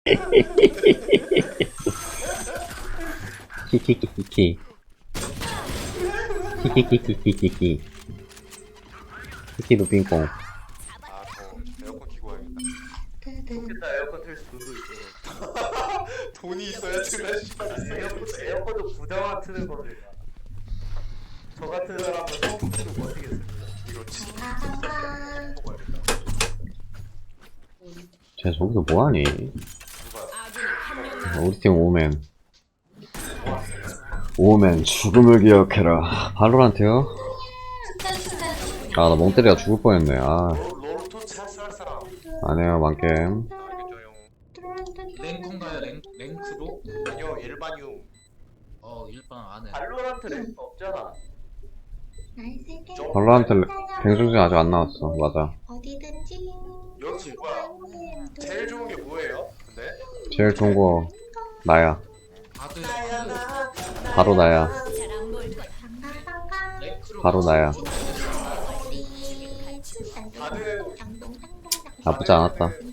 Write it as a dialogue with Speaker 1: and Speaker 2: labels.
Speaker 1: 키키키키키. 키키키키키키키. 키키도 빙뽕.
Speaker 2: 아, 저 에어컨 키고 와야겠다.
Speaker 3: 좋겠다. 에어컨 틀 수 돈도 있어.
Speaker 2: 돈이 있어야 틀나 씨발 있어야
Speaker 3: 에어컨도 부자만 트는 겁니다. 저 같은 사람은 성수기도 못 쓰겠습니다.
Speaker 2: 이거 진짜
Speaker 4: 아,
Speaker 2: 먹어야겠다.
Speaker 1: 쟤 저기서 뭐하니?
Speaker 2: 누가
Speaker 1: 우리 팀 오맨. 오맨 죽음을 기억해라. 발로란트요? 아, 나 멍때리가 죽을 뻔했네. 아,
Speaker 2: 롤토 찰쌀 사람.
Speaker 1: 안해요, 만겜.
Speaker 2: 알겠죠요.
Speaker 5: 랭크인가요? 랭크로?
Speaker 2: 아니요 일반용.
Speaker 5: 일반 안 해.
Speaker 3: 발로란트 랭크 없잖아.
Speaker 1: 발로란트 뱅송진 아직 안 나왔어. 맞아.
Speaker 4: 어디든지
Speaker 2: 여기 뭐야? 제일 좋은 게 뭐예요? 근데
Speaker 1: 제일 좋은 거 나야.
Speaker 5: 다들
Speaker 1: 바로 나야.
Speaker 5: 랭크로
Speaker 1: 바로 나야.
Speaker 2: 다들
Speaker 1: 나쁘지 않았다.